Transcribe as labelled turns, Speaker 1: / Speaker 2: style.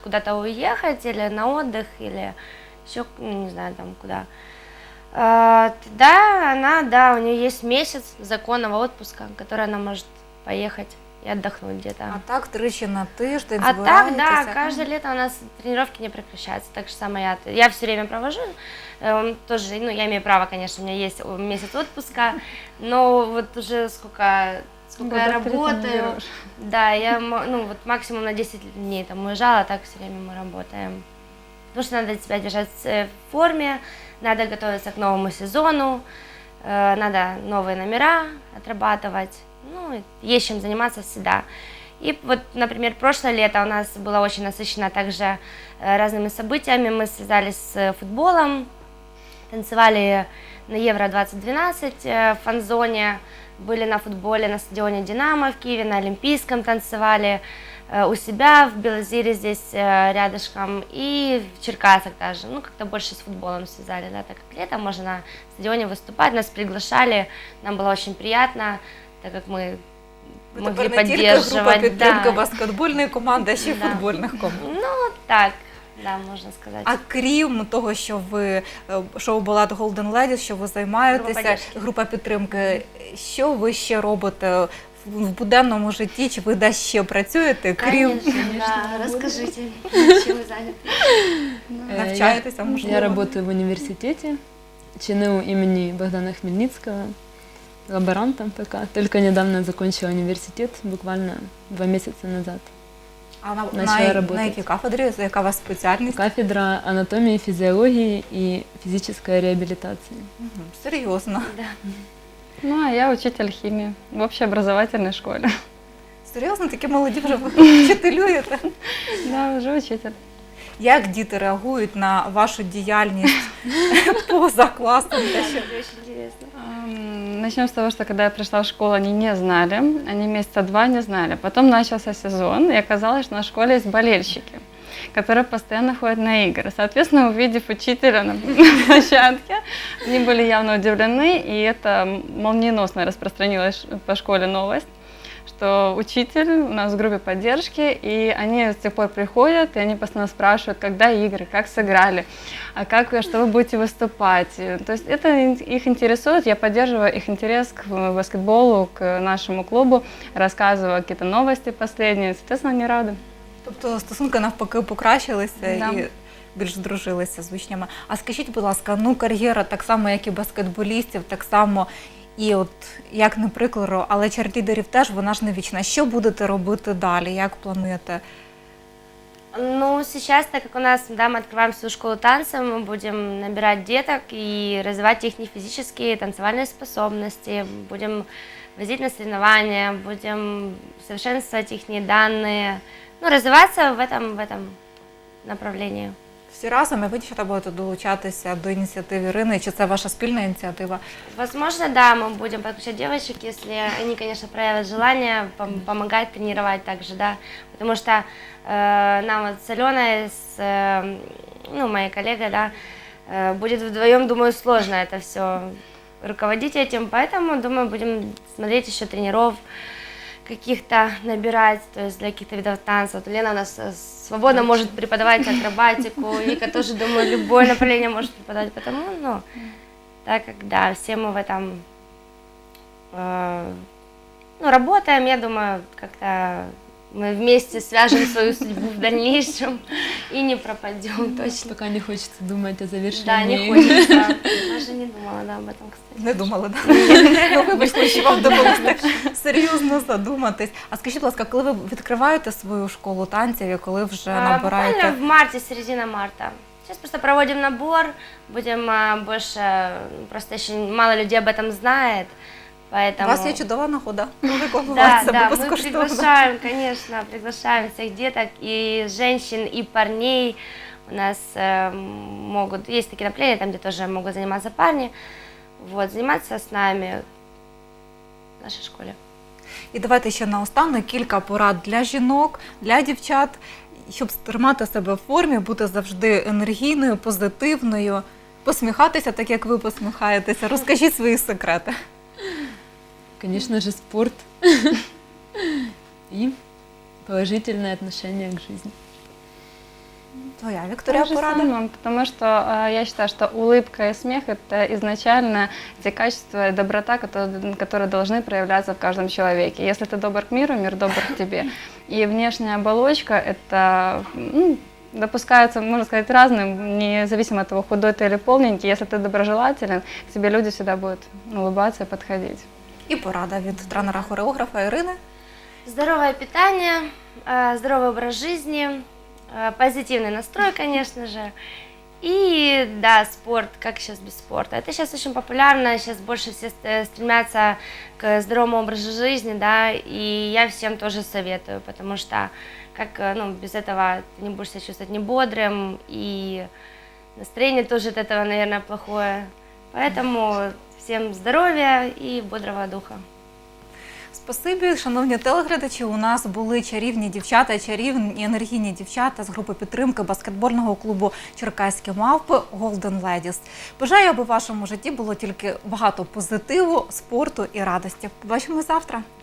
Speaker 1: куда-то уехать или на отдых, или еще, не знаю, там куда, тогда она, да, у нее есть месяц законного отпуска, который она может поехать и отдохнуть где-то.
Speaker 2: А так тричі на тиждень
Speaker 1: А так, да,
Speaker 2: збираєтеся?
Speaker 1: каждое лето у нас тренировки не прекращаются. Так же самое я все время провожу. Тоже, ну, я имею право, конечно, у меня есть месяц отпуска, но вот уже сколько я работаю, да, ну, вот максимум на 10 дней там уезжала, а так все время мы работаем. Потому что надо себя держать в форме, надо готовиться к новому сезону, надо новые номера отрабатывать, ну, есть чем заниматься всегда. И вот, например, прошлое лето у нас было очень насыщено также разными событиями. Мы связались с футболом, танцевали на Евро-2012 в фан-зоне, были на футболе на стадионе «Динамо» в Киеве, на Олимпийском танцевали, у себя в Белозере здесь рядышком и в Черкасах даже. Ну, как-то больше с футболом связали, да, так как летом можно на стадионе выступать, нас приглашали, нам было очень приятно, так как мы могли поддерживать.
Speaker 2: Група підтримки баскетбольної команди, а ще й футбольних команд.
Speaker 1: Ну, так, да, можна сказати.
Speaker 2: А крім того, що ви шоу-балет Golden Ladies, що ви займаєтеся, група підтримки, що ви ще робите в буденному житті, чи ви десь ще працюєте, крім…
Speaker 1: Да, розкажіть, чим ви зайняті?
Speaker 2: Навчаєтеся, можливо?
Speaker 3: Я работаю в университете, ЧНУ имени Богдана Хмельницкого, лаборантом пока. Только недавно закончила университет, буквально 2 месяца назад.
Speaker 2: А
Speaker 3: начала
Speaker 2: на
Speaker 3: работать.
Speaker 2: якій кафедрі, яка у вас спеціальність?
Speaker 3: Кафедра анатомии, физиологии и физической реабилитации.
Speaker 2: Серйозно?
Speaker 1: Да.
Speaker 4: Ну, а я учитель химии в общеобразовательной школе.
Speaker 2: Серйозно? Такі молоді вже вчителюєте?
Speaker 4: Да, уже учитель.
Speaker 2: Як діти реагують на вашу діяльність поза класом?
Speaker 1: Очень интересно.
Speaker 4: Начнем с того, что когда я пришла в школу, они не знали, они месяца 2 не знали. Потом начался сезон, и оказалось, что на школе есть болельщики, которые постоянно ходят на игры. Соответственно, увидев учителя на площадке, они были явно удивлены, и это молниеносно распространилась по школе новость, что учитель у нас в группе поддержки, и они с тех пор приходят, и они постоянно спрашивают, когда игры, как сыграли, а как, что вы будете выступать. То есть это их интересует, я поддерживаю их интерес к баскетболу, к нашему клубу, рассказываю какие-то новости последние, соответственно, они рады.
Speaker 2: Тобто стосунки навпаки покращилися
Speaker 4: Да.
Speaker 2: і більш здружилися з учнями. А скажіть, будь ласка, ну кар'єра так само, як і баскетболістів, так само і от, як не прикладу, але черлідерів теж, вона ж не вічна. Що будете робити далі? Як плануєте?
Speaker 1: Ну, сейчас, так как у нас, да, мы открываем свою школу танца, мы будем набирать деток и развивать их физические, танцевальные способности, будем возить на соревнования, будем совершенствовать их данные, ну, развиваться в этом направлении.
Speaker 2: Всі разом, і ви, дівчата, будете долучатися до ініціативи Ірини, чи це ваша спільна ініціатива?
Speaker 1: Возможно, да, мы будем подключать девочек, если они, конечно, проявят желание помогать тренировать также, да, потому что нам вот с Аленой, ну, моей коллегой, да, будет вдвоем, думаю, сложно это все руководить этим, поэтому, думаю, будем смотреть еще тренеров каких-то набирать, то есть для каких-то видов танца. Вот Лена у нас свободно может преподавать акробатику, Вика тоже, думаю, любое направление может преподавать, потому, ну, так как, да, все мы в этом, ну, работаем, я думаю, как-то мы вместе свяжем свою судьбу в дальнейшем и не пропадем точно.
Speaker 3: Пока не хочется думать о завершении.
Speaker 1: Да, не хочется. Даже не думала, да, об этом, кстати.
Speaker 2: Не думала, так? Ну, вибачте, що вам довелося так серйозно задуматись. А скажіть, будь ласка, коли ви відкриваєте свою школу танців і коли вже набираєте?
Speaker 1: Буквально в марте, середина марта. Сейчас просто проводим набор, будем больше, просто еще мало людей об этом знает, поэтому…
Speaker 2: У вас є чудова нагода
Speaker 1: Да,
Speaker 2: рекламувати себе
Speaker 1: да, мы
Speaker 2: безкоштовно.
Speaker 1: приглашаем, конечно, приглашаем всех деток, и женщин, и парней. У нас могут, есть такие направления, там, где тоже могут заниматься парни, вот, заниматься с нами в нашей школе.
Speaker 2: І давайте ще наостанок кілька порад для жінок, для дівчат, щоб тримати себе в формі, бути завжди енергійною, позитивною, посміхатися так, як ви посміхаєтеся. Розкажіть свої секрети.
Speaker 3: Конечно же, спорт и положительное отношение к жизни.
Speaker 2: Твоя, Вікторія,
Speaker 4: То же
Speaker 2: порада?
Speaker 4: самое, потому что я считаю, что улыбка и смех – это изначально те качества и доброта, которые должны проявляться в каждом человеке. Если ты добр к миру, мир добр к тебе. И внешняя оболочка – это допускается, можно сказать, разным, независимо от того, худой ты или полненький. Если ты доброжелателен, к тебе люди всегда будут улыбаться и подходить.
Speaker 2: І порада від тренера-хореографа Ірини.
Speaker 1: Здоровое питание, здоровый образ жизни, позитивный настрой, конечно же. И да, спорт, как сейчас без спорта. Это сейчас очень популярно, сейчас больше все стремятся к здоровому образу жизни, да, и я всем тоже советую, потому что без этого ты не будешь себя чувствовать не бодрым, и настроение тоже от этого, наверное, плохое. Поэтому всем здоровья и бодрого духа.
Speaker 2: Спасибі, шановні телеглядачі. У нас були чарівні дівчата, чарівні енергійні дівчата з групи підтримки баскетбольного клубу «Черкаські мавпи» Golden Ladies. Бажаю, аби в вашому житті було тільки багато позитиву, спорту і радості. Побачимо завтра.